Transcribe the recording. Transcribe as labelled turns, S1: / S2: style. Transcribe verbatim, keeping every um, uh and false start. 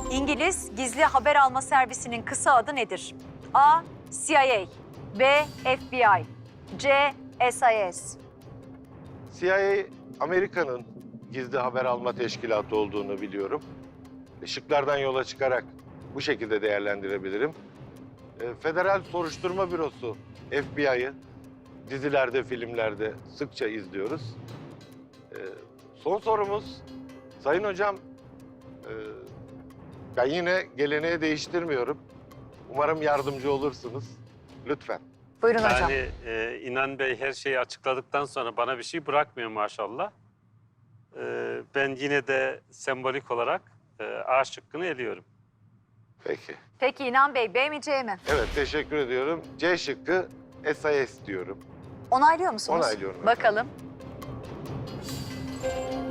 S1: İngiliz gizli haber alma servisinin kısa adı nedir? A. C I A, B. F B I, C. S I S.
S2: C I A Amerika'nın gizli haber alma teşkilatı olduğunu biliyorum. Şıklardan yola çıkarak bu şekilde değerlendirebilirim. E, Federal Soruşturma Bürosu F B I'yı dizilerde, filmlerde sıkça izliyoruz. E, son sorumuz, Sayın Hocam, e, ben yine geleneği değiştirmiyorum. Umarım yardımcı olursunuz. Lütfen.
S1: Buyurun hocam.
S3: Yani e, İnan Bey her şeyi açıkladıktan sonra bana bir şey bırakmıyor maşallah. E, ben yine de sembolik olarak e, A şıkkını eliyorum.
S2: Peki.
S1: Peki İnan Bey, B mi C mi?
S2: Evet, teşekkür ediyorum. C şıkkı S I S diyorum.
S1: Onaylıyor musunuz?
S2: Onaylıyorum efendim.
S1: Bakalım.